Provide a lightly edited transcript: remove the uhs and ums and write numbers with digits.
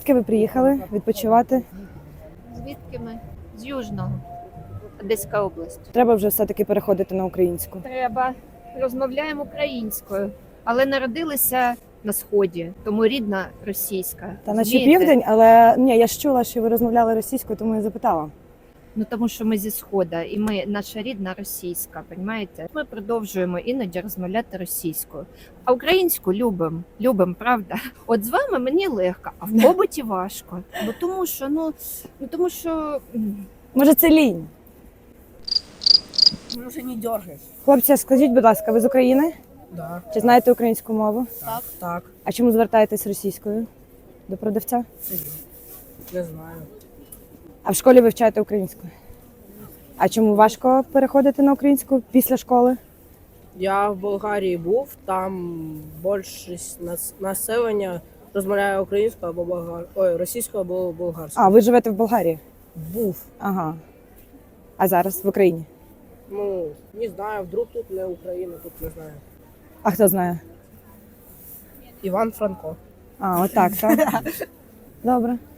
Звідки ви приїхали відпочивати? Звідки ми? З Южного. Одеська область. Треба вже все-таки переходити на українську. Треба. Розмовляємо українською, але народилися на Сході, тому рідна російська. Та наче Розумієте? південь, але ні, я ж чула, що ви розмовляли російською, тому я запитала. Ну тому що ми зі Схода, і наша рідна російська, розумієте? Ми продовжуємо іноді розмовляти російською. А українську любимо, правда? От з вами мені легко, а в побуті важко. Бо тому що Може, це лінь? Ну уже не дергай. Хлопці, скажіть, будь ласка, ви з України? Да. Чи знаєте українську мову? Так. А чому звертаєтесь російською до продавця? Не знаю. А в школі вивчаєте українську? А чому важко переходити на українську після школи? Я в Болгарії був, там більшість населення розмовляє українською або російською або болгарською. А, ви живете в Болгарії? Був. Ага. А зараз в Україні? Ну, не знаю, вдруг тут не Україна, тут не знаю. А хто знає? Іван Франко. А, отак, так? Добре.